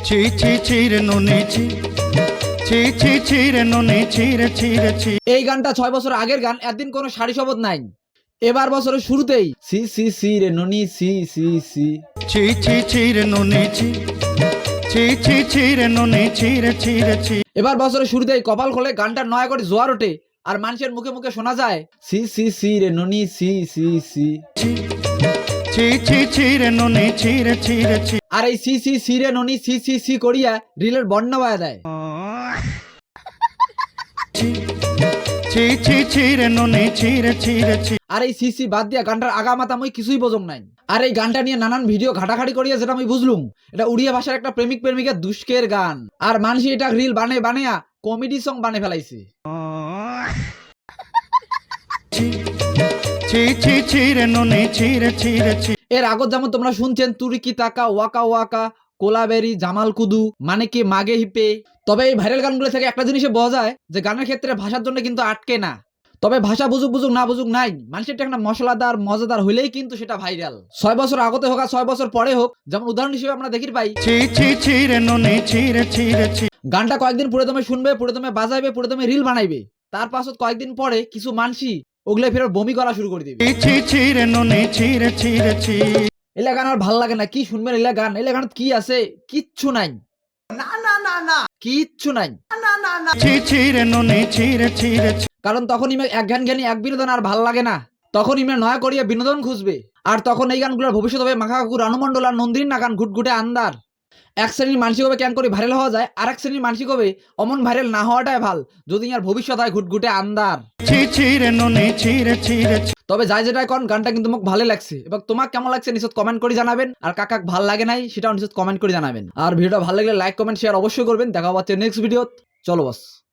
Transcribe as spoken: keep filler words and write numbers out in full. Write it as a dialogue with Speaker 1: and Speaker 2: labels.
Speaker 1: ছি ছি ছি রে নুনি ছি ছি ছি ছি রে নুনি ছি রে ছি রে ছি।
Speaker 2: এই গানটা ছয় বছর আগের গান, একদিন কোনো সারি শব্দ নাই। এবার বছরের শুরুতেই সি সি সি রে ননি সি সি সি।
Speaker 1: ছি ছি ছি রে নুনি ছি ছি ছি ছি রে নুনি ছি রে ছি রে ছি।
Speaker 2: এবার বছরের শুরুতেই কপাল খোলে গানটা নয়া করে জোয়ার ওঠে, আর মানুষের মুখে মুখে শোনা যায় সি সি সি রে ননি সি সি সি।
Speaker 1: ছি ছি ছি ছি রে নুনি ছি রে ছি রে ছি।
Speaker 2: আর এই সি সি সি রে ননি সি সি সি করিয়া রিলের বন্যা বায়া দেয়।
Speaker 1: ছি ছি ছি ছি রে নুনি ছি রে ছি রে ছি।
Speaker 2: আর এই সি সি বাদ দিয়া গানটার আগা মাথা মই কিছুই বোঝং নাই। আর এই গানটা নিয়ে নানান ভিডিও ঘাটাঘাটি করিয়া যেটা আমি বুঝলুম, এটা উড়িয়া ভাষার একটা প্রেমিক প্রেমিকার দুষ্কের গান। আর মানুষ এটা রিল বানে বানিয়া কমেডি সং বানে ফেলাইছে।
Speaker 1: ছি ছি ছি ছি রে নুনি ছি রে ছি রে ছি।
Speaker 2: এর আগত যেমন তোমরা শুনছেন তুরিকি তাকা ওয়াকা ওয়াকা কোলাবেরি জামাল কুদু মানে কি মাগে হিপে। তবে এই ভাইরাল গানগুলো থেকে একটা জিনিসে বোঝা যায় যে গানের ক্ষেত্রে ভাষার জন্য কিন্তু আটকে না। তবে ভাষা বুঝুক বুঝুক না বুঝুক নাই, মানুষের একটা মশলাদার মজাদার হইলেই কিন্তু সেটা ভাইরাল। ছয় বছর আগতে হোক আর ছয় বছর পরে হোক, যেমন উদাহরণ হিসেবে আমরা দেখি পাই
Speaker 1: ছি ছি ছি রে নুনি ছি রে ছি রে ছি।
Speaker 2: গানটা কয়েকদিন পুরো দমে শুনবে, পুরো দমে বাজাইবে, পুরো দমে রিল বানাইবে, তার পাছত কয়েকদিন পরে কিছু মানসি ওগুলো ফের বমি করা শুরু করে দিবে।
Speaker 1: ছি ছি ছি রে নুনি ছি রে ছি রে ছি।
Speaker 2: এলা গান আর ভাল লাগে না, কি শুনবেন এলা গান? এলা গান কি আছে? কিচ্ছু নাই, না না না না কিচ্ছু নাই।
Speaker 1: ছি ছি রে নুনি ছি রে ছি রে ছি।
Speaker 2: কারণ তখন ইমে এক গান জ্ঞানী এক বিনোদন আর ভাল লাগে না, তখন ইমে নয়া করিয়া বিনোদন খুঁজবে। আর তখন এই গানগুলোর ভবিষ্যৎ হবে মাখা কাকু রানুমন্ডল আর নন্দিনী নাগান ঘুটঘুটে আন্দার। এক শ্রেণীর মানসিক হবে ক্যান করে ভাইরাল হওয়া যায়, আর এক শ্রেণীর মানসিক হবে অমন ভাইরাল না হওয়াটাই ভাল, যদি আর ভবিষ্যৎ হয় ঘুটঘুটে আন্দার।
Speaker 1: ছি ছি রে নুনি ছি রে ছি রে ছি।
Speaker 2: তবে যাই যেটাই কন, গানটা কিন্তু মোক ভালো লাগছে, এবং তোমাক কেমন লাগছে নিশ্চয় কমেন্ট করে জানাবেন, আর কাকাক ভাল লাগে নাই সেটাও নিশ্চয় কমেন্ট করে জানাবেন। আর ভিডিওটা ভালো লাগলে লাইক কমেন্ট শেয়ার অবশ্যই করবেন। দেখা হচ্ছে নেক্সট ভিডিও। চলো বস।